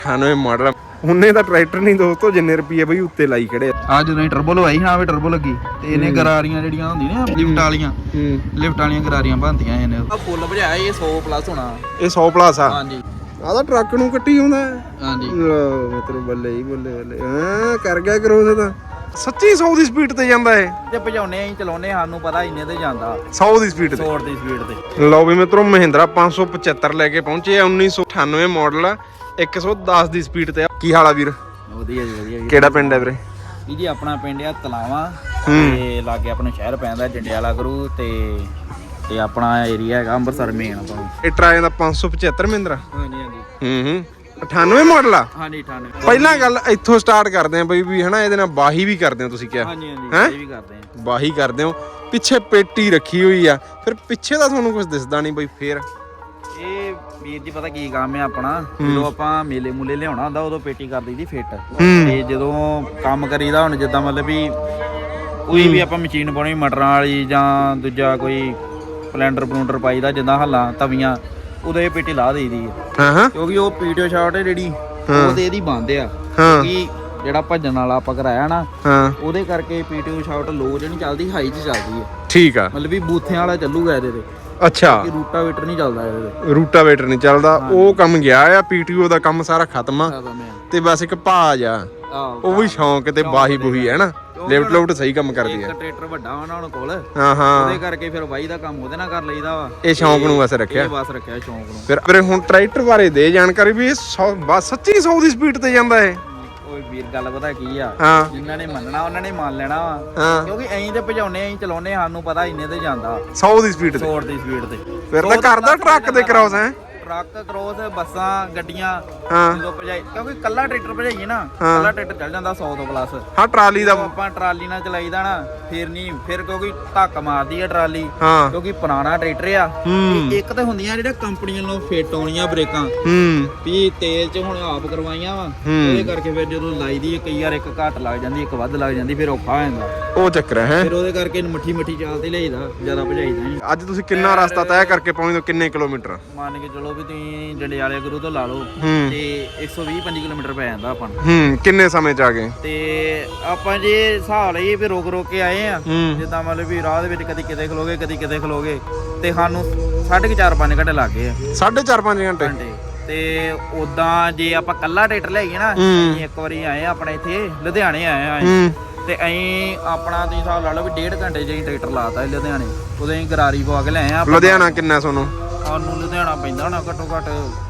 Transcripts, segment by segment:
98 model ਉਹਨੇ ਤਾਂ tractor ਨਹੀਂ ਦੋਸਤੋ ਜਿੰਨੇ ਰੁਪਏ ਬਈ ਉੱਤੇ ਲਾਈ ਖੜੇ ਆ ਜਦੋਂ ਟਰਬੋ ਲਵਾਈ ਨਾ ਵੀ ਟਰਬੋ ਲੱਗੀ ਤੇ ਇਹਨੇ ਗਰਾਰੀਆਂ ਜਿਹੜੀਆਂ ਹੁੰਦੀਆਂ ਲਿਫਟ ਵਾਲੀਆਂ ਗਰਾਰੀਆਂ ਬਣਦੀਆਂ ਇਹਨੇ ਆ ਫੁੱਲ ਭਜਾਇਆ ਇਹ 100 ਪਲੱਸ ਹੋਣਾ ਇਹ 100 ਪਲੱਸ ਆ ਹਾਂਜੀ ਆਹ ਤਾਂ ਟਰੱਕ ਨੂੰ ਕੱਟੀ ਆਉਂਦਾ ਹਾਂਜੀ ਮਤਲਬ ਬੱਲੇ ਹੀ ਬੱਲੇ ਹਾਂ ਕਰ ਗਿਆ ਕਰੋ ਉਹਦਾ ਤਾਂ ਸੱਚੀ 100 ਦੀ ਸਪੀਡ ਤੇ ਜਾਂਦਾ ਇਹ ਜੇ ਭਜਾਉਨੇ ਆਂ ਚਲਾਉਨੇ ਸਾਨੂੰ ਪਤਾ ਇੰਨੇ ਤੇ ਜਾਂਦਾ 100 ਦੀ ਸਪੀਡ ਤੇ 100 ਦੀ ਸਪੀਡ ਤੇ ਲਓ ਵੀ ਮਿੱਤਰੋ ਮਹਿੰਦਰਾ 575 ਲੈ ਕੇ ਪਹੁੰਚੇ ਆ 1998 ਮਾਡਲ ਆ 110 ਦੀ ਸਪੀਡ ਤੇ ਕੀ ਹਾਲ ਆ ਵੀਰ ਵਧੀਆ ਜੀ ਵਧੀਆ ਕਿਹੜਾ ਪਿੰਡ ਹੈ ਵੀਰੇ ਜੀ ਆਪਣਾ ਪਿੰਡ ਆ ਤਲਾਵਾ ਤੇ ਲਾਗੇ ਆਪਣਾ ਸ਼ਹਿਰ ਪੈਂਦਾ ਜੰਡਿਆਲਾ ਗੁਰੂ ਤੇ ਆਪਣਾ ਏਰੀਆ ਹੈਗਾ ਅੰਮ੍ਰਿਤਸਰ ਮੇਨ ਆਪਾਂ ਇਹ ਟਰਾਏ ਦਾ 575 ਮਹਿੰਦਰਾ ਹਾਂਜੀ ਹਾਂਜੀ 98 ਮਾਡਲ ਆ ਹਾਂਜੀ 98 ਪਹਿਲਾਂ ਗੱਲ ਇੱਥੋਂ ਸਟਾਰਟ ਕਰਦੇ ਆ ਬਈ ਵੀ ਹਨਾ ਇਹਦੇ ਨਾਲ ਬਾਹੀ ਵੀ ਕਰਦੇ ਹੋ ਤੁਸੀਂ ਕਿਹਾ ਹਾਂਜੀ ਹਾਂਜੀ ਇਹ ਵੀ ਕਰਦੇ ਆ ਬਾਹੀ ਕਰਦੇ ਹੋ ਪਿੱਛੇ ਪੇਟੀ ਰੱਖੀ ਹੋਈ ਆ ਫਿਰ ਪਿੱਛੇ ਦਾ ਤੁਹਾਨੂੰ ਕੁਝ ਦਿਸਦਾ ਨਹੀਂ ਬਈ ਫੇਰ ਇਹ ਵੀਰ ਜੀ ਪਤਾ ਕੀ ਕੰਮ ਹੈ ਆਪਣਾ ਜਦੋਂ ਆਪਾਂ ਮੇਲੇ ਮੂਲੇ ਲਿਆਉਣਾ ਹੁੰਦਾ ਉਦੋਂ ਪੇਟੀ ਕਰ ਦਈਦੀ ਫਿੱਟ ਤੇ ਜਦੋਂ ਕੰਮ ਕਰੀਦਾ ਹੁਣ ਜਿੱਦਾਂ ਮਤਲਬ ਵੀ ਕੋਈ ਵੀ ਆਪਾਂ ਮਸ਼ੀਨ ਪਾਉਣੀ ਮਟਰਾਂ ਵਾਲੀ ਜਾਂ ਦੂਜਾ ਕੋਈ ਪਲੈਂਡਰ ਪਾਈਦਾ ਜਿੱਦਾਂ ਹੱਲਾਂ ਤਵੀਆਂ ਉਦੋਂ ਇਹ ਪੇਟੀ ਲਾ ਦੇਈਦੀ ਹੈ ਕਿਉਂਕਿ ਉਹ ਪੀਟੀਓ ਸ਼ਾਟ ਹੈ ਜਿਹੜੀ ਉਹ ਤੇ ਇਹਦੀ ਬੰਦ ਆ ਕਿਉਂਕਿ ਜਿਹੜਾ ਭੱਜਣ ਵਾਲਾ ਆਪਾਂ ਕਰਾਇਆ ਨਾ ਉਹਦੇ ਕਰਕੇ ਪੀਟੀਓ ਸ਼ਾਟ ਲੋ ਜਿਹੜੀ ਚੱਲਦੀ ਹਾਈ 'ਚ ਚੱਲਦੀ ਹੈ ਠੀਕ ਆ ਮਤਲਬ ਵੀ ਬੂਥਿਆਂ ਵਾਲਾ ਚੱਲੂਗਾ ਇਹਦੇ ਤੇ ਅੱਛਾ ਰੂਟਾਵੇਟਰ ਨਹੀਂ ਚੱਲਦਾ ਇਹਦੇ ਤੇ ਰੂਟਾਵੇਟਰ ਨਹੀਂ ਚੱਲਦਾ ਉਹ ਕੰਮ ਗਿਆ ਆ ਪੀਟੀਓ ਦਾ ਕੰਮ ਸਾਰਾ ਖਤਮ ਆ ਤੇ ਬਸ ਇੱਕ ਭਾਜ ਆ ਉਹ ਵੀ ਸ਼ੌਂਕ ਤੇ ਬਾਹੀ ਬੁਹੀ ਹੈ ਨਾ ਲਿਫਟ ਲੁਫਟ ਸਹੀ ਕੰਮ ਕਰਦੀ ਹੈ ਇੱਕ ਟਰੈਕਟਰ ਵੱਡਾ ਵਾ ਉਹਨਾਂ ਕੋਲ ਉਹਦੇ ਕਰਕੇ ਫਿਰ ਬਾਈ ਦਾ ਕੰਮ ਉਹਦੇ ਨਾਲ ਕਰ ਲਈਦਾ ਵਾ ਇਹ ਸ਼ੌਂਕ ਨੂੰ ਬਸ ਰੱਖਿਆ ਸ਼ੌਂਕ ਨੂੰ ਫਿਰ ਹੁਣ ਟਰੈਕਟਰ ਬਾਰੇ ਦੇ ਜਾਣਕਾਰੀ ਵੀ ਇਹ ਬਸ ਸੱਚੀ 100 ਦੀ ਸਪੀਡ ਤੇ ਜਾਂਦਾ ਇਹ ਓਏ ਵੀਰ ਗੱਲ ਪਤਾ ਕੀ ਆ ਜਿਨ੍ਹਾਂ ਨੇ ਮੰਨਣਾ ਉਹਨਾਂ ਨੇ ਮੰਨ ਲੈਣਾ ਵਾ ਕਿਉਂਕਿ ਐਂ ਤੇ ਭਜਾਉਨੇ ਆਂ ਚਲਾਉਨੇ ਸਾਨੂੰ ਪਤਾ ਇੰਨੇ ਤੇ ਜਾਂਦਾ 100 ਦੀ ਸਪੀਡ ਤੇ ਫਿਰ ਤਾਂ ਕਰਦਾ ਟਰੱਕ ਦੇ ਕ੍ਰੋਸ ਹੈ ਟਰੱਕ ਕ੍ਰੋਸ ਬੱਸਾਂ ਗੱਡੀਆਂ ਜਦੋਂ ਭਜਾਈ ਕਿਉਂਕਿ ਕੱਲਾ ਟਰੈਕਟਰ ਭਜਾਈਏ ਨਾ ਕੱਲਾ ਟਰੈਕਟਰ ਚੱਲ ਜਾਂਦਾ 100 ਤੋਂ ਪਲੱਸ ਹਾਂ ਟਰਾਲੀ ਦਾ ਆਪਾਂ ਟਰਾਲੀ ਨਾਲ ਚਲਾਈਦਾ ਨਾ ਫਿਰ ਕਿਉਂਕਿ ਧੱਕ ਮਾਰਦੀ ਆ ਟਰਾਲੀ ਕਿਉਂਕਿ ਪੁਰਾਣਾ ਟਰੈਕਟਰ ਆ ਇੱਕ ਤਾਂ ਹੁੰਦੀਆਂ ਜਿਹੜੀਆਂ ਕੰਪਨੀਆਂ ਨੂੰ ਫਿੱਟ ਆਉਣੀਆਂ ਬ੍ਰੇਕਾਂ ਵੀ ਤੇਲ 'ਚ ਹੁਣ ਆਪ ਕਰਵਾਈਆਂ ਵਾ ਉਹਦੇ ਕਰਕੇ ਫਿਰ ਜਦੋਂ ਲਾਈਦੀ ਕਈ ਵਾਰ ਇੱਕ ਘੱਟ ਲੱਗ ਜਾਂਦੀ ਇੱਕ ਵੱਧ ਲੱਗ ਜਾਂਦੀ ਫਿਰ ਔਖਾ ਹੋ ਜਾਂਦਾ ਉਹ ਚੱਕਰ ਹੈ ਫਿਰ ਉਹਦੇ ਕਰਕੇ ਮੱਠੀ ਚੱਲਦੀ ਲਈਦਾ ਜ਼ਿਆਦਾ ਭਜਾਈਦਾ ਨਹੀਂ ਅੱਜ ਤੁਸੀਂ ਕਿੰਨਾ ਰਸਤਾ ਤੈਅ ਕਰਕੇ ਪਹੁੰਚਦੇ ਕਿੰਨੇ ਕਿਲੋਮੀਟਰ ਮੰਨ ਕੇ ਚਲੋ ਵੀ ਤੁਸੀਂ ਜੰਡਿਆਲੇ ਗੁਰੂ ਤੋਂ ਲਾ ਲਓ ਤੇ 120-25 ਕਿਲੋਮੀਟਰ ਪੈ ਜਾਂਦਾ ਆਪਾਂ ਨੂੰ ਕਿੰਨੇ ਸਮੇਂ ਚ ਆ ਗਏ ਤੇ ਆਪਾਂ ਜੇ ਹਿਸਾਬ ਲਈਏ ਵੀ ਰੋਕ ਕੇ ਆਏ ਆ ਜਿੱਦਾਂ ਮਤਲਬ ਵੀ ਰਾਹ ਦੇ ਵਿੱਚ ਕਦੀ ਕਿਤੇ ਖਲੋਗੇ ਤੇ ਸਾਨੂੰ 4.5 ਘੰਟੇ ਲੱਗ ਗਏ ਆ 4.5 ਘੰਟੇ ਤੇ ਉਦਾਂ ਜੇ ਆਪਾਂ ਕੱਲਾ ਟਰੈਕਟਰ ਲਿਆਈਏ ਨਾ ਇੱਕ ਵਾਰੀ ਆਏ ਆਪਣੇ ਇੱਥੇ ਲੁਧਿਆਣੇ ਆਏ ਆ ਤੇ ਅਸੀਂ ਆਪਣਾ ਤੁਸੀਂ ਹਿਸਾਬ ਲਾ ਲਓ ਵੀ 1.5 ਘੰਟੇ ਜੇ ਟਰੈਕਟਰ ਲਾਤਾ ਲੁਧਿਆਣੇ ਉਦੋਂ ਅਸੀਂ ਗਰਾਰੀ ਪਵਾ ਕੇ ਲਿਆਏ ਆ ਲੁਧਿਆਣਾ ਕਿੰਨਾ ਸਾਨੂੰ ਲੁਧਿਆਣਾ ਪੈਂਦਾ ਹੋਣਾ ਘੱਟੋ ਘੱਟ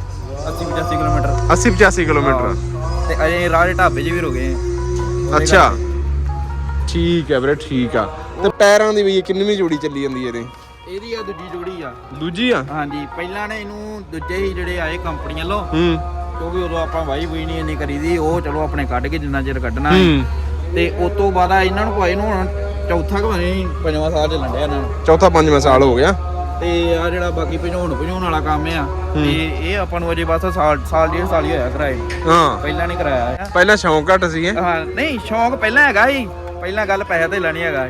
80-85 ਕਿਲੋਮੀਟਰ 80-85 ਕਿਲੋਮੀਟਰ ਤੇ ਅਜੇ ਰਾਹ ਦੇ ਢਾਬੇ 'ਚ ਵੀ ਰੁਕੇ ਅੱਛਾ ਠੀਕ ਹੈ ਵੀਰੇ ਠੀਕ ਆ ਤੇ ਟਾਇਰਾਂ ਦੀ ਵੀ ਕਿੰਨਵੀਂ ਜੋੜੀ ਚੱਲੀ ਜਾਂਦੀ ਇਹਦੀ ਆ ਦੂਜੀ ਆ ਹਾਂਜੀ ਪਹਿਲਾਂ ਨੇ ਇਹਨੂੰ ਦੂਜੇ ਹੀ ਜਿਹੜੇ ਆਏ ਕੰਪਨੀ ਵੱਲੋਂ ਕਿਉਂਕਿ ਉਦੋਂ ਆਪਾਂ ਵਾਈ ਨਹੀਂ ਇੰਨੀ ਕਰੀਦੀ ਉਹ ਚਲੋ ਆਪਣੇ ਕੱਢ ਕੇ ਜਿੰਨਾ ਚਿਰ ਕੱਢਣਾ ਤੇ ਉਸ ਤੋਂ ਬਾਅਦ ਇਹਨਾਂ ਨੂੰ ਭਾਈ ਨੂੰ ਹੁਣ ਚੌਥਾ ਕਿ ਨਹੀਂ 5ਵਾਂ ਸਾਲ ਚੱਲਣ ਡਿਆ ਇਹਨਾਂ ਨੂੰ ਚੌਥਾ 5ਵਾਂ ਸਾਲ ਹੋ ਗਿਆ ਤੇ ਆ ਜਿਹੜਾ ਬਾਕੀ ਭਜਾਉਣ ਵਾਲਾ ਕੰਮ ਆ ਤੇ ਇਹ ਆਪਾਂ ਨੂੰ ਅਜੇ ਬਸ ਸਾਲ ਡੇਢ ਸਾਲ ਹੀ ਹੋਇਆ ਕਰਾਏ ਪਹਿਲਾਂ ਨਹੀਂ ਕਰਾਇਆ ਪਹਿਲਾਂ ਸ਼ੌਂਕ ਘੱਟ ਸੀ ਨਹੀਂ ਸ਼ੌਂਕ ਪਹਿਲਾਂ ਹੈਗਾ ਸੀ ਪਹਿਲਾਂ ਗੱਲ ਪੈਸੇ ਤੇ ਲੈਣੀ ਹੈਗਾ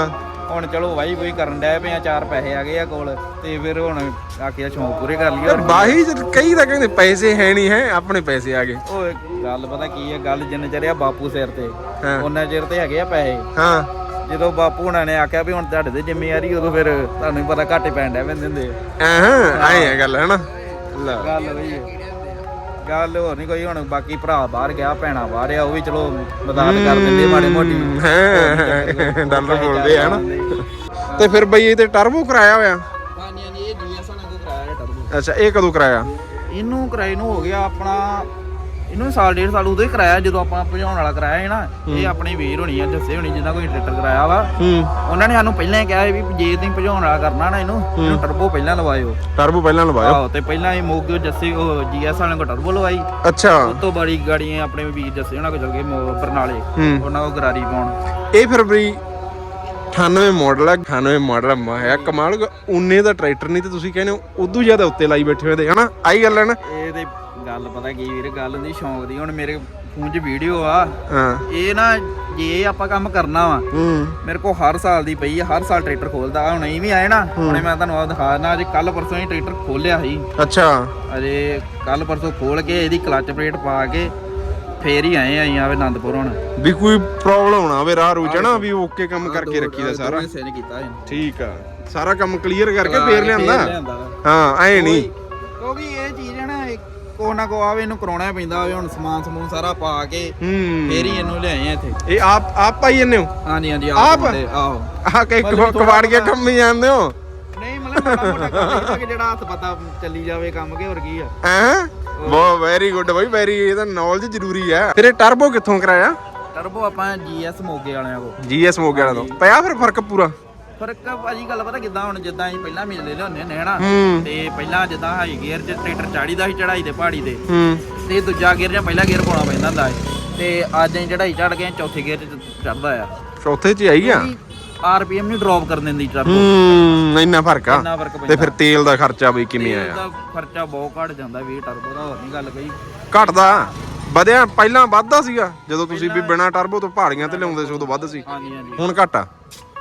ਹੁਣ ਚਲੋ ਵਾਈ ਕਰਨ ਡਿਆ ਪਿਆ 4 ਪੈਸੇ ਆ ਗਏ ਆ ਕੋਲ ਤੇ ਫਿਰ ਹੁਣ ਆਖਿਆ ਸ਼ੌਂਕ ਪੂਰੇ ਕਰ ਲਈਏ ਬਾਹੀ ਕਈ ਤਾਂ ਕਹਿੰਦੇ ਪੈਸੇ ਹੈ ਨਹੀਂ ਹੈ ਆਪਣੇ ਪੈਸੇ ਆ ਗਏ ਓਏ ਗੱਲ ਪਤਾ ਕੀ ਹੈ ਗੱਲ ਜਿੰਨੇ ਚਿਰ ਆ ਬਾਪੂ ਸਿਰ ਤੇ ਉਹਨਾਂ ਚਿਰ ਤੇ ਹੈਗੇ ਆ ਪੈਸੇ ਜਦੋਂ ਬਾਪੂ ਹੁਣਾਂ ਨੇ ਆਖਿਆ ਵੀ ਹੁਣ ਤੁਹਾਡੇ ਤੇ ਜ਼ਿੰਮੇਵਾਰੀ ਉਦੋਂ ਫਿਰ ਤੁਹਾਨੂੰ ਵੀ ਪਤਾ ਘਾਟੇ ਪੈਣ ਡਿਆ ਪੈਂਦੇ ਹੁੰਦੇ ਆਏ ਆ ਗੱਲ ਹੈਨਾ ਗੱਲ ਬਈ ਗੱਲ ਹੋਰ ਨਹੀਂ ਕੋਈ ਹੁਣ ਬਾਕੀ ਭਰਾ ਬਾਹਰ ਗਿਆ ਭੈਣਾ ਬਾਹਰ ਆ ਉਹ ਵੀ ਚਲੋ ਮਦਦ ਕਰ ਦਿੰਦੇ ਮਾੜੇ ਮੋਟੀ ਡਾਲਰ ਬੋਲਦੇ ਆ ਨਾ ਤੇ ਫਿਰ ਬਈ ਇਹ ਤੇ ਟਰਬੋ ਕਰਾਇਆ ਹੋਇਆ ਹਾਂਜੀ ਇਹ ਡੀਐਸ ਨਾਲ ਕੋ ਕਰਾਇਆ ਟਰਬੋ ਅੱਛਾ ਇਹ ਕਦੋਂ ਕਰਾਇਆ ਇਹਨੂੰ ਕਰਾਏ ਨੂੰ ਹੋ ਗਿਆ ਆਪਣਾ ਇਹਨੂੰ ਸਾਲ ਡੇਢ ਸਾਲ ਉਦੋਂ ਹੀ ਕਰਾਇਆ ਜਦੋਂ ਆਪਾਂ ਭਜਾਉਣ ਵਾਲਾ ਕਰਾਇਆ ਹੈ ਨਾ ਇਹ ਆਪਣੇ ਵੀਰ ਹੋਣੀ ਆ ਜੱਸੇ ਹੋਣੀ ਜਿੰਨਾ ਕੋਈ ਟਰੈਕਟਰ ਕਰਾਇਆ ਵਾ ਉਹਨਾਂ ਨੇ ਸਾਨੂੰ ਪਹਿਲਾਂ ਹੀ ਕਿਹਾ ਵੀ ਜੇ ਤੁਸੀਂ ਭਜਾਉਣ ਵਾਲਾ ਕਰਨਾ ਨਾ ਇਹਨੂੰ ਟਰਬੋ ਪਹਿਲਾਂ ਲਵਾਇਓ ਆਹੋ ਤੇ ਪਹਿਲਾਂ ਇਹ ਮੋਗੇ ਜੱਸੇ ਉਹ ਜੀਐਸ ਵਾਲਿਆਂ ਕੋ ਟਰਬੋ ਲਵਾਈ ਅੱਛਾ ਉਸ ਤੋਂ ਬੜੀ ਗਾੜੀ ਆਪਣੇ ਵੀਰ ਜੱਸੇ ਉਹਨਾਂ ਕੋ ਚਲ ਗਏ ਬਰਨਾਲੇ ਉਹਨਾਂ ਕੋ ਗਰਾਰੀ ਪਾਉਣ ਇਹ ਫਿਰ ਬਈ 98 ਮਾਡਲ ਮਾਇਆ ਕਮਾਲ ਉਹਨੇ ਦਾ ਟਰੈਕਟਰ ਨਹੀਂ ਤੇ ਤੁਸੀਂ ਕਹਿੰਦੇ ਹੋ ਉਦੋਂ ਜ਼ਿਆਦਾ ਉੱਤੇ ਲਾਈ ਬੈਠੇ ਹੋਏ ਤੇ ਹਨਾ ਆਹੀ ਗੱਲ ਹੈ ਨਾ ਇਹ ਤੇ ਗੱਲ ਪਤਾ ਕੀ ਵੀਰ, ਗੱਲ ਹੁੰਦੀ ਸ਼ੌਂਕ ਦੀ। ਹੁਣ ਮੇਰੇ ਫੋਨ 'ਚ ਵੀਡੀਓ ਆ, ਹਾਂ ਇਹ ਨਾ ਜੇ ਆਪਾਂ ਕੰਮ ਕਰਨਾ ਵਾ, ਮੇਰੇ ਕੋਲ ਹਰ ਸਾਲ ਦੀ ਪਈ ਆ, ਹਰ ਸਾਲ ਟਰੈਕਟਰ ਖੋਲਦਾ। ਹੁਣ ਇਹ ਵੀ ਆਏ ਨਾ, ਹੁਣੇ ਮੈਂ ਤੁਹਾਨੂੰ ਆਹ ਦਿਖਾ ਦਿੰਦਾ। ਅੱਜ ਕੱਲ ਪਰਸੋਂ ਹੀ ਟਰੈਕਟਰ ਖੋਲਿਆ ਸੀ। ਅੱਛਾ ਅਜੇ ਕੱਲ ਪਰਸੋਂ ਖੋਲ ਕੇ ਇਹਦੀ ਕਲਚ ਪਲੇਟ ਪਾ ਕੇ ਫੇਰ ਹੀ ਆਏ ਆਂ ਆਨੰਦਪੁਰ। ਹੁਣ ਵੀ ਕੋਈ ਪ੍ਰੋਬਲਮ ਹੋਣਾ ਹੋਵੇ ਰਾਹ ਰੂਚ ਨਾ, ਵੀ ਓਕੇ ਕੰਮ ਕਰਕੇ ਰੱਖੀਦਾ ਸਾਰਾ। ਨੇ ਕੀਤਾ ਠੀਕ ਆ, ਸਾਰਾ ਕੰਮ ਕਲੀਅਰ ਕਰਕੇ ਫੇਰ ਲਿਆਂਦਾ। ਹਾਂ ਐ ਨਹੀਂ, ਕਿਉਂਕਿ ਇਹ ਚੀਜ਼ ਹੈ ਨਾ, ਕੋ ਨਾ ਕੋ ਆਵੇ ਇਹਨੂੰ ਕਰਾਉਣਾ ਪੈਂਦਾ ਹੋਵੇ। ਹੁਣ ਸਮਾਨ ਸਮੂਨ ਸਾਰਾ ਪਾ ਕੇ ਫੇਰ ਹੀ ਇਹਨੂੰ ਲਿਆਏ ਆ ਇੱਥੇ। ਇਹ ਆਪ ਪਾਈ ਜੰਨੇ ਹੋ? ਹਾਂਜੀ ਹਾਂਜੀ ਆਪ? ਆਹੋ ਆਹ ਕਿ ਕਬਾੜ ਕੇ ਕੰਮ ਹੀ ਜਾਂਦੇ ਹੋ? ਨਹੀਂ ਮਤਲਬ ਮਾੜਾ ਮੋਟਾ ਕੰਮ ਕਿ ਜਿਹੜਾ ਹੱਥ ਪਤਾ ਚੱਲੀ ਜਾਵੇ ਕੰਮ, ਕੇ ਹੋਰ ਕੀ ਆ। ਹੈਂ ਬਹੁਤ ਵੈਰੀ ਗੁੱਡ ਬਾਈ, ਵੈਰੀ, ਇਹਦਾ ਨੌਲੇਜ ਜ਼ਰੂਰੀ ਹੈ। ਫਿਰ ਇਹ ਟਰਬੋ ਕਿੱਥੋਂ ਕਰਾਇਆ? ਟਰਬੋ ਆਪਾਂ ਜੀਐਸ ਮੋਗੇ ਵਾਲਿਆਂ ਕੋਲ। ਜੀਐਸ ਮੋਗੇ ਵਾਲਿਆਂ ਤੋਂ ਪਿਆ ਫਿਰ ਫਰਕ ਪੂਰਾ? ਫਰਕ ਭਾਜੀ ਗੱਲ ਪਤਾ ਕਿੱਦਾਂ, ਹੁਣ ਜਿੱਦਾਂ ਅਸੀਂ ਪਹਿਲਾਂ ਮੇਲੇ ਲਿਆਉਂਦੇ ਹੁੰਦੇ ਹਨਾ, ਤੇ ਪਹਿਲਾਂ ਜਿੱਦਾਂ ਹਾਈ ਗੇਅਰ 'ਚ ਟਰੈਕਟਰ ਚਾੜੀਦਾ ਸੀ ਚੜਾਈ ਤੇ ਪਹਾੜੀ ਤੇ, ਤੇ ਦੂਜਾ ਗੇਅਰ ਜਾਂ ਪਹਿਲਾ ਗੇਅਰ ਪਾਉਣਾ ਪੈਂਦਾ ਹੁੰਦਾ ਸੀ। ਤੇ ਅੱਜ ਅਸੀਂ ਚੜਾਈ ਚੜ ਕੇ ਚੌਥੇ ਗੇਅਰ 'ਚ ਚੜਦਾ ਆ। ਚੌਥੇ 'ਚ ਆਈ ਆ? ਆਰਪੀਐਮ ਨਹੀਂ ਡ੍ਰੌਪ ਕਰਨ ਦਿੰਦੀ ਟਰਬੋ। ਇੰਨਾ ਫਰਕ ਆ? ਇੰਨਾ ਫਰਕ ਪੈਂਦਾ। ਤੇ ਫਿਰ ਤੇਲ ਦਾ ਖਰਚਾ ਬਈ ਕਿਵੇਂ ਆਇਆ? ਇਹਦਾ ਖਰਚਾ ਬਹੁਤ ਘਟ ਜਾਂਦਾ ਵੀ ਟਰਬੋ ਦਾ, ਹੋਰ ਨਹੀਂ ਗੱਲ ਕੋਈ ਘਟਦਾ ਵਧਿਆ? ਪਹਿਲਾਂ ਵੱਧਦਾ ਸੀਗਾ ਜਦੋਂ ਤੁਸੀਂ ਵੀ ਬਿਨਾ ਟਰਬੋ ਤੋਂ ਪਹਾੜੀਆਂ ਤੇ ਲਿਆਉਂਦੇ ਸੀ, ਉਦੋਂ ਵੱਧ ਸੀ। ਹਾਂਜੀ ਹਾਂਜੀ। ਹੁਣ ਘਟ ਆ?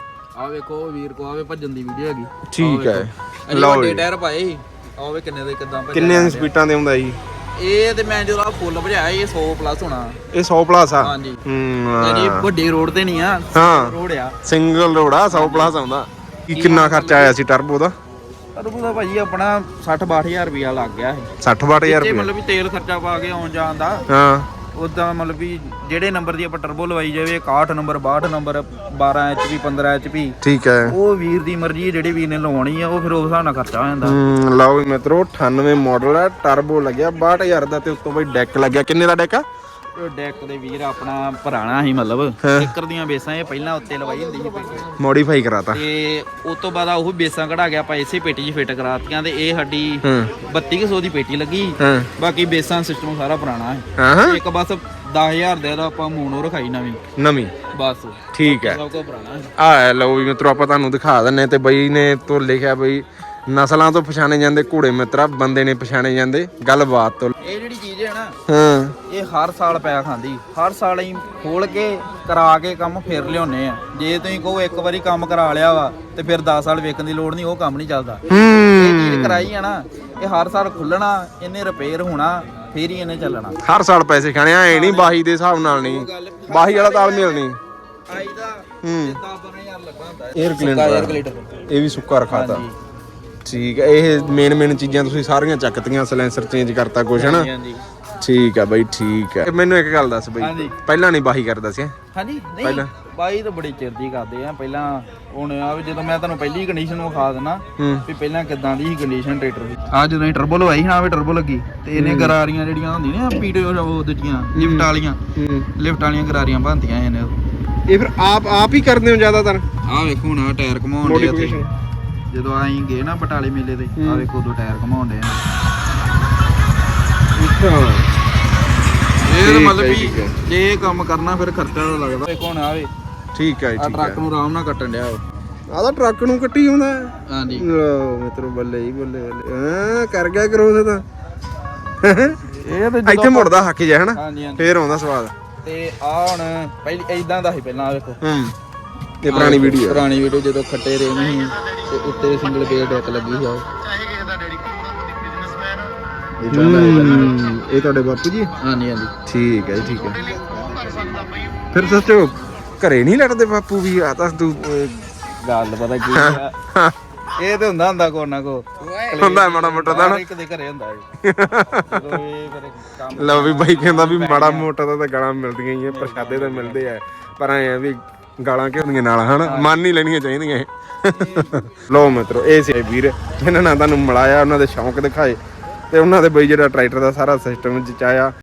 ਆ ਵੇਖੋ ਵੀਰ ਕੋ ਆਵੇ ਭੱਜਣ ਦੀ ਵੀਡੀਓ ਹੈਗੀ। ਠੀਕ ਹੈ, ਲਓ ਵੱਡੇ ਟਾਇਰ ਪਾਏ ਸੀ। ਆਵੇ ਕਿੰਨੇ ਦੇ ਕਿਦਾਂ ਭੱਜਿਆ। ਕਿੰਨੇ ਸਪੀਡਾਂ ਤੇ ਹੁੰਦਾ ਜੀ ਇਹ? ਤੇ ਮੈਂ ਜਦੋਂ ਫੁੱਲ ਭਜਾਇਆ ਇਹ 100 ਪਲੱਸ ਹੋਣਾ। ਇਹ 100 ਪਲੱਸ ਆ? ਹਾਂਜੀ। ਯਾਨੀ ਵੱਡੇ ਰੋਡ ਤੇ ਨਹੀਂ ਆ, ਹਾਂ ਰੋਡ ਆ, ਸਿੰਗਲ ਰੋਡ ਆ, 100 ਪਲੱਸ ਆਉਂਦਾ। ਕੀ ਕਿੰਨਾ ਖਰਚਾ ਆਇਆ ਸੀ ਟਰਬੋ ਦਾ? ਟਰਬੋ ਦਾ ਭਾਜੀ ਆਪਣਾ 60-62000 ਰੁਪਇਆ ਲੱਗ ਗਿਆ ਸੀ। 60-62000 ਤੇ ਰੁਪਏ? ਮਤਲਬ ਵੀ ਤੇਲ ਖਰਚਾ ਪਾ ਕੇ ਆਉਣ ਜਾਣ ਦਾ। ਹਾਂ ਉਦਾਂ ਮਤਲਬ ਵੀ ਜਿਹੜੇ ਨੰਬਰ ਦੀ ਆਪਾਂ ਟਰਬੋ ਲਵਾਈ ਜਾਵੇ, 61 ਨੰਬਰ 62 ਨੰਬਰ 12 HP 15 HP, ਠੀਕ ਹੈ। ਉਹ ਵੀਰ ਦੀ ਮਰਜ਼ੀ, ਜਿਹੜੇ ਵੀਰ ਨੇ ਲਵਾਉਣੀ ਆ ਉਹ ਫਿਰ ਉਸ ਹਿਸਾਬ ਨਾਲ ਖਰਚਾ ਹੋ ਜਾਂਦਾ। ਲਓ ਵੀ ਮਿੱਤਰੋ 98 ਮਾਡਲ ਹੈ, ਟਰਬੋ ਲੱਗਿਆ 62000 ਦਾ, ਤੇ ਉੱਤੋਂ ਬਈ ਡੈਕ ਲੱਗਿਆ। ਕਿੰਨੇ ਦਾ ਡੈਕ ਆ? ਉਹ ਡੈਕ ਦੇ ਵੀਰ ਆਪਣਾ ਪੁਰਾਣਾ ਸੀ, ਮਤਲਬ ਚੱਕਰ ਦੀਆਂ ਬੇਸਾਂ ਇਹ ਪਹਿਲਾਂ ਉੱਤੇ ਲਵਾਈ ਹੁੰਦੀ ਸੀ, ਮੋਡੀਫਾਈ ਕਰਾਤਾ। ਤੇ ਉਸ ਤੋਂ ਬਾਅਦ ਉਹ ਬੇਸਾਂ ਕਢਾ ਕੇ ਆਪਾਂ ਇਸੇ ਪੇਟੀ 'ਚ ਫਿੱਟ ਕਰਾਤੀਆਂ, ਤੇ ਇਹ ਸਾਡੀ 3200 ਦੀ ਪੇਟੀ ਲੱਗੀ। ਬਾਕੀ ਬੇਸਾਂ ਸਿਸਟਮ ਸਾਰਾ ਪੁਰਾਣਾ ਹੈ। ਇੱਕ ਬਸ 10000 ਦੇ ਦਾ ਆਪਾਂ ਮੋਨੋ ਰਖਾਈ ਨਵੀਂ ਬਸ। ਠੀਕ ਹੈ, ਸਭ ਤੋਂ ਪੁਰਾਣਾ ਆ ਲਓ ਵੀ ਮਿੱਤਰੋ ਆਪਾਂ ਤੁਹਾਨੂੰ ਦਿਖਾ ਦਿੰਨੇ। ਤੇ ਬਈ ਨੇ ਤੋਂ ਲਿਖਿਆ ਬਈ ਨਸਲਾਂ ਤੋਂ ਪਛਾਣੇ ਜਾਂਦੇ ਘੋੜੇ ਮਿੱਤਰਾ, ਬੰਦੇ ਨੇ ਪਛਾਣੇ ਜਾਂਦੇ ਗੱਲਬਾਤ ਤੋਂ। ਇਹ ਜਿਹੜੀ ਚੀਜ਼ ਹੈ ਨਾ, ਇਹ ਹਰ ਸਾਲ ਪੈ ਖਾਂਦੀ। ਹਰ ਸਾਲ ਅਸੀਂ ਖੋਲ ਕੇ ਕਰਾ ਕੇ ਕੰਮ ਫੇਰ ਲਿਆਉਨੇ ਆ। ਜੇ ਤੁਸੀਂ ਕਹੋ ਇੱਕ ਵਾਰੀ ਕੰਮ ਕਰਾ ਲਿਆ ਵਾ ਤੇ ਫਿਰ 10 ਸਾਲ ਵੇਖਣ ਦੀ ਲੋੜ ਨਹੀਂ, ਉਹ ਕੰਮ ਨਹੀਂ ਚੱਲਦਾ। ਇਹ ਚੀਜ਼ ਕਰਾਈ ਆ ਨਾ, ਇਹ ਹਰ ਸਾਲ ਖੁੱਲਣਾ, ਇਹਨੇ ਰਿਪੇਅਰ ਹੋਣਾ, ਫੇਰ ਹੀ ਇਹਨੇ ਚੱਲਣਾ। ਹਰ ਸਾਲ ਪੈਸੇ ਖਾਣੇ ਐ ਨਹੀਂ, ਬਾਹੀ ਦੇ ਹਿਸਾਬ ਨਾਲ ਨਹੀਂ, ਬਾਹੀ ਵਾਲਾ ਤਾਲਮੇਲ ਨਹੀਂ। ਆਈ ਦਾ 10-12000 ਲੱਗਾ ਹੁੰਦਾ 에ਅਰ ਕਲੀਨਰ, ਇਹ ਵੀ ਸੁੱਕਾ ਰਖਾਤਾ। ਠੀਕ ਹੈ, ਇਹ ਮੇਨ ਚੀਜ਼ਾਂ ਤੁਸੀਂ ਸਾਰੀਆਂ ਚੱਕਤੀਆਂ, ਸਲੈਂਸਰ ਚੇਂਜ ਕਰਤਾ ਕੁਛ ਹਨਾ। ਠੀਕ ਹੈ ਬਾਈ, ਠੀਕ ਹੈ। ਮੈਨੂੰ ਇੱਕ ਗੱਲ ਦੱਸ ਬਈ, ਪਹਿਲਾਂ ਨਹੀਂ ਬਾਹੀ ਕਰਦਾ ਸੀ? ਹਾਂਜੀ ਨਹੀਂ, ਬਾਈ ਤਾਂ ਬੜੀ ਚਿਰ ਦੀ ਕਰਦੇ ਆ ਪਹਿਲਾਂ। ਹੁਣ ਆ ਵੀ ਜਦੋਂ ਮੈਂ ਤੁਹਾਨੂੰ ਪਹਿਲੀ ਕੰਡੀਸ਼ਨ ਵਿਖਾ ਦੇਣਾ ਵੀ ਪਹਿਲਾਂ ਕਿਦਾਂ ਦੀ ਸੀ ਕੰਡੀਸ਼ਨ ਟਰੈਕਟਰ ਦੀ। ਆ ਜਦੋਂ ਅਸੀਂ ਟਰਬੋ ਲਵਾਈ ਨਾ, ਵੀ ਟਰਬੋ ਲੱਗੀ ਤੇ ਇਹਨੇ ਗਰਾਰੀਆਂ ਜਿਹੜੀਆਂ ਹੁੰਦੀਆਂ ਨੇ ਪੀਟੇ ਉਹ ਦੂਜੀਆਂ ਲਿਫਟ ਵਾਲੀਆਂ ਗਰਾਰੀਆਂ ਬਣਦੀਆਂ ਇਹਨੇ। ਇਹ ਫਿਰ ਆਪ ਹੀ ਕਰਦੇ ਹੋ ਜ਼ਿਆਦਾਤਰ? ਆ ਵੇਖੋ ਹੁਣ ਆ ਟਾਇਰ ਘਮਾਉਣ ਦੇ ਉੱਥੇ, ਜਦੋਂ ਆਈ ਗਏ ਨਾ ਬਟਾਲੇ ਮੇਲੇ ਤੇ, ਆ ਵੇਖੋ ਉਦੋਂ ਟਾਇਰ ਘਮਾਉਣ ਦੇ ਆ। ਇਹ ਮਤਲਬ ਵੀ ਜੇ ਇਹ ਕੰਮ ਕਰਨਾ ਫਿਰ ਖਰਚਾ ਤਾਂ ਲੱਗਦਾ। ਵੇਖੋ ਹੁਣ ਆਵੇ। ਠੀਕ ਹੈ, ਆ ਟਰੱਕ ਨੂੰ ਆਰਾਮ ਨਾਲ ਕੱਟਣ ਡਿਆ ਆਦਾ ਟਰੱਕ ਨੂੰ ਕੱਟੀ ਹੁੰਦਾ। ਹਾਂਜੀ ਲਓ ਮਿੱਤਰੋ, ਬੱਲੇ ਹੀ ਬੱਲੇ ਹਾਂ, ਕਰ ਗਿਆ ਕਰੋ ਤਾਂ। ਇਹ ਤੇ ਇੱਥੇ ਮੁੜਦਾ ਹੱਕ ਜਾ ਹਨਾ, ਹਾਂਜੀ ਹਾਂਜੀ। ਫੇਰ ਆਉਂਦਾ ਸਵਾਦ। ਤੇ ਆ ਹੁਣ ਪਹਿਲੀ ਇਦਾਂ ਦਾ ਸੀ ਪਹਿਲਾਂ। ਆ ਵੇਖੋ ਇਹ ਪੁਰਾਣੀ ਵੀਡੀਓ ਜਦੋਂ ਖੱਟੇ ਰੇ ਨਹੀਂ ਤੇ ਉੱਤੇ ਸਿੰਗਲ ਗੇਅਰ ਡੈਕ ਲੱਗੀ ਸੀ। ਇਹ ਤੁਹਾਡੇ ਬਾਪੂ ਜੀ? ਹਾਂਜੀ ਹਾਂਜੀ। ਠੀਕ ਹੈ, ਠੀਕ ਹੈ। ਫਿਰ ਸੱਚੋ ਘਰੇ ਨਹੀਂ ਲੜਦੇ ਬਾਪੂ ਵੀ? ਆ ਤਾਂ ਤੂੰ ਗੱਲ ਪਤਾ ਕੀ ਆ, ਇਹ ਤੇ ਹੁੰਦਾ ਕੋ ਨਾ ਕੋ ਹੁੰਦਾ ਮਾੜਾ ਮੋਟਾ ਤਾਂ ਇੱਕ ਦੇ ਘਰੇ ਹੁੰਦਾ ਜਦੋਂ ਇਹ ਫਿਰ ਕੰਮ। ਲਓ ਵੀ ਬਾਈ ਕਹਿੰਦਾ ਵੀ ਮਾੜਾ ਮੋਟਾ ਤਾਂ ਗਾਲਾਂ ਮਿਲਦੀਆਂ ਹੀ ਆ, ਪ੍ਰਸ਼ਾਦੇ ਤਾਂ ਮਿਲਦੇ ਆ, ਪਰ ਐ ਵੀ ਗਾਲਾਂ ਕਿਉਂ ਹੁੰਦੀਆਂ ਨਾਲ ਹਨਾ, ਮੰਨ ਨਹੀਂ ਲੈਣੀਆਂ ਚਾਹੀਦੀਆਂ ਇਹ। ਲਓ ਮਿੱਤਰੋ, ਇਹ ਸੀ ਵੀਰ ਜਿਨ੍ਹਾਂ ਨੇ ਤੁਹਾਨੂੰ ਮਿਲਾਇਆ, ਉਹਨਾਂ ਦੇ ਸ਼ੌਂਕ ਦਿਖਾਏ, ਤੇ ਉਹਨਾਂ ਦੇ ਬਈ ਜਿਹੜਾ ਟਰੈਕਟਰ ਦਾ ਸਾਰਾ ਸਿਸਟਮ ਜਚਾਇਆ।